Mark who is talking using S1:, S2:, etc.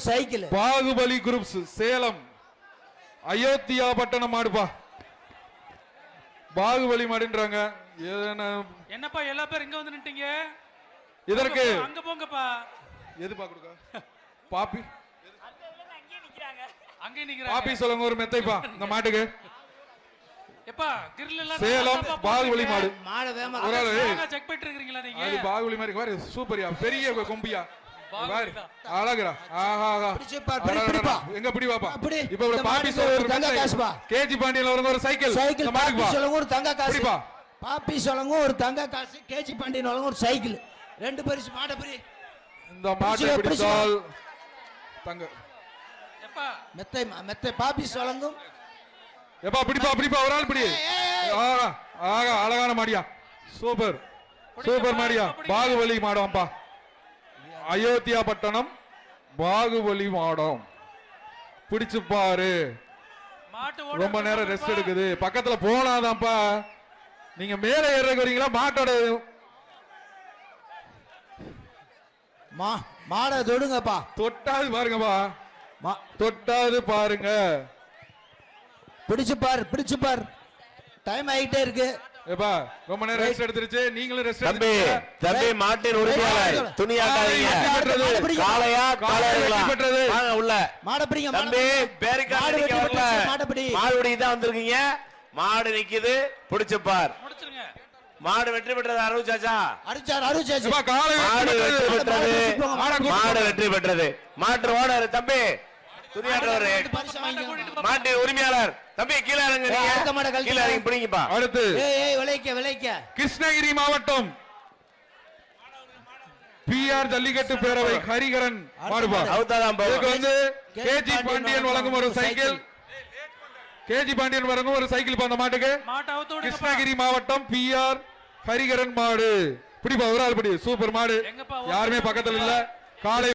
S1: Cycle.
S2: Baahubali groups Salem Ayodhyapattanam மாடுப்பா. பாகுபலி மாடுன்றாங்க.
S3: என்னப்பா எல்லா பேரும் இங்க வந்து நின்னுட்டீங்க?
S2: இதற்கு
S3: அங்க போங்கப்பா.
S2: எது பாக்குறா? பாப்பி
S3: அங்கே நிக்கிறாங்க.
S2: பாப்பி சொல்லுங்க ஒரு மெத்தைப்பா இந்த மாட்டுக்கு.
S3: எப்பா கிரில் எல்லாம்
S2: சேலம் பாகுபலி மாடு.
S1: மாடு வேமா
S2: ஒரு ஆளு
S3: செக் பண்ணிட்டு இருக்கீங்களா நீங்க?
S2: அது பாகுபலி மாதிரி பாரு சூப்பர்யா பெரிய கொம்பியா. பாரு அழகுடா. ஆஹா
S1: பிடிப்பா.
S2: எங்க பிடி வாப்பா.
S1: இப்போ
S2: ஒரு பாப்பி சொல்லுங்க தங்க காசுப்பா. கேஜி பாண்டியன்ல வரங்க ஒரு சைக்கிள்.
S1: சைக்கிள் பாப்பி சொல்லுங்க ஒரு தங்க காசு.
S2: பிடிப்பா.
S1: பாப்பி சொல்லுங்க ஒரு தங்க காசு. கேஜி பாண்டியன் வரங்க ஒரு சைக்கிள். ரெண்டு பரிசு மாட பிடி.
S2: இந்த மாட்டை பிடிச்சால் தங்க.
S3: எப்பா
S1: மெத்தை மெத்தை பாப்பி சொல்லுங்க.
S2: எப்பா பிடிப்பா ஒரு ஆள் பிடி. ஆஹா ஆஹா அழகான மாடியா. சூப்பர் சூப்பர் மாடியா. பாகுபலி மாடம்ப்பா. அயோத்தியா பட்டணம் பாகுபலி மாடம். பிடிச்சு பாரு. ரொம்ப நேரம் ரெஸ்ட் எடுக்குது. பக்கத்துல போனாதான்ப்பா. நீங்க மேல ஏறக்கு வரீங்களா மாட்டோட
S1: மாட தொடுங்கப்பா.
S2: தொட்டாது பாருங்கப்பா. தொட்டாது பாருங்க.
S1: பிடிச்சு பார். டைம் ஆயிட்டே இருக்கு.
S2: ஏப்பா ரொம்ப நேரம் ரெஸ்ட் எடுத்துருச்சு. நீங்களும் ரெஸ்ட்
S4: தம்பி தம்பி மாட்டின் உரிமையாளர் துணியாட்டாதீங்க. காளையா காளையர்களா வாங்க உள்ள.
S1: மாட பிடிங்க
S4: தம்பி பேரிக்கா நிக்க வரல. மாடுடி தான் வந்திருக்கீங்க. மாடு நிக்குது பிடிச்சு பார்.
S3: முடிச்சிருங்க.
S4: மாடு வெற்றி பெற்றது அருள் சாச்சா.
S1: அருள் சாச்சி.
S4: மாடு வெற்றி பெற்றது. மாடு வெற்றி பெற்றது. மாட்டு ஓனர் தம்பி துணியாட்டவர் மாட்டு உரிமையாளர் தம்பி கீழே இறங்க. கீழே இறங்கி பிடிங்கப்பா.
S2: அடுத்து
S1: விளைக்க
S2: கிருஷ்ணகிரி மாவட்டம் பிஆர் ஜல்லிக்கட்டு பேரவை ஹரிகரன் மாடுபா. இதுக்கு வந்து கேஜி பாண்டியன் வழங்கும் ஒரு சைக்கிள். கேஜி பாண்டியன் வழங்கும் ஒரு சைக்கிள் அந்த மாட்டுக்கு. கிருஷ்ணகிரி மாவட்டம் பிஆர் ஹரிகரன் மாடு. பிடிப்பா ஒரு ஆள் பிடி. சூப்பர் மாடு. யாருமே பக்கத்துல இல்ல. காலை